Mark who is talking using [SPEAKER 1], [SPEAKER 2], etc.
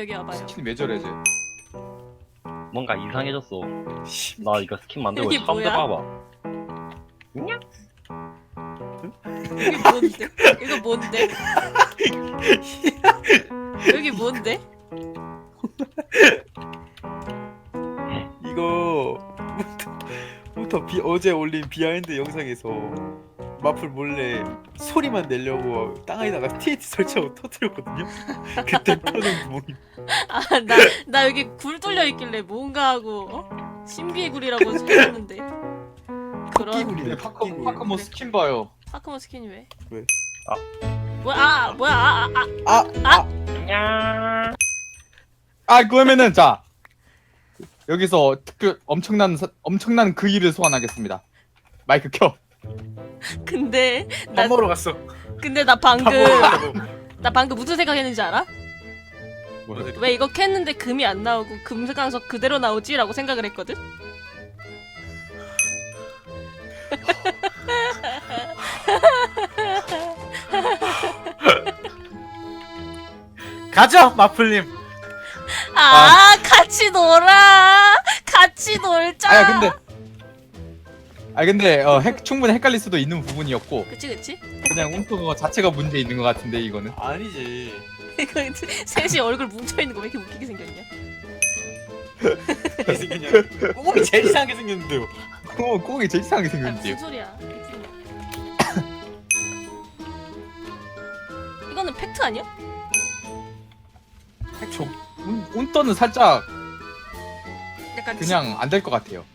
[SPEAKER 1] 여기 와봐요.
[SPEAKER 2] 스킨 왜 저래 쟤?
[SPEAKER 3] 뭔가 이상해졌어. 나 이거 스킨 만들고
[SPEAKER 1] 이게
[SPEAKER 3] 처음
[SPEAKER 1] 뭐야?
[SPEAKER 3] 들어봐봐.
[SPEAKER 1] 여기 뭔데? 이거 뭔데? 여기 뭔데?
[SPEAKER 2] 이거부터 어제 올린 비하인드 영상에서 마플 몰래 소리만 내려고 땅에다가 TNT 설치하고 터뜨렸거든요. 그때 터진 구멍이.
[SPEAKER 1] 아, 나 여기 굴 뚫려 있길래 뭔가 하고 신비의 굴이라고 찾았는데 그런
[SPEAKER 2] 끼구리네.
[SPEAKER 4] 파커모 스킨 봐요.
[SPEAKER 1] 파크모 스킨이 왜?
[SPEAKER 2] 왜?
[SPEAKER 1] 뭐야?
[SPEAKER 4] 그러면은 자 여기서 특별 엄청난 그 일을 소환하겠습니다. 마이크 켜.
[SPEAKER 1] 근데
[SPEAKER 2] 밥 먹으러 갔어.
[SPEAKER 1] 근데 나
[SPEAKER 2] 밥 먹으러 갔다고.
[SPEAKER 1] 방금 무슨 생각했는지 알아?
[SPEAKER 4] 뭐야?
[SPEAKER 1] 왜 이거 캤는데 금이 안 나오고 금강석 그대로 나오지라고 생각을 했거든.
[SPEAKER 2] 가죠 마플님.
[SPEAKER 1] 같이 놀아. 같이 놀자.
[SPEAKER 4] 근데 충분히 헷갈릴 수도 있는 부분이었고
[SPEAKER 1] 그치.
[SPEAKER 4] 그냥 움프 자체가 문제 있는 것 같은데 이거는.
[SPEAKER 2] 아니지.
[SPEAKER 1] 이거 셋이 얼굴 뭉쳐 있는 거 왜 이렇게 웃기게 생겼냐?
[SPEAKER 2] 어떻게 생겼냐? 꽁이 제일 이상하게 생겼는데요.
[SPEAKER 4] 꽁이 제일 이상하게
[SPEAKER 1] 무슨
[SPEAKER 4] 생겼는데요.
[SPEAKER 1] 소리야? 이거는 팩트 아니야?
[SPEAKER 4] 운떠는 살짝
[SPEAKER 1] 약간
[SPEAKER 4] 그냥 안 될 것 같아요.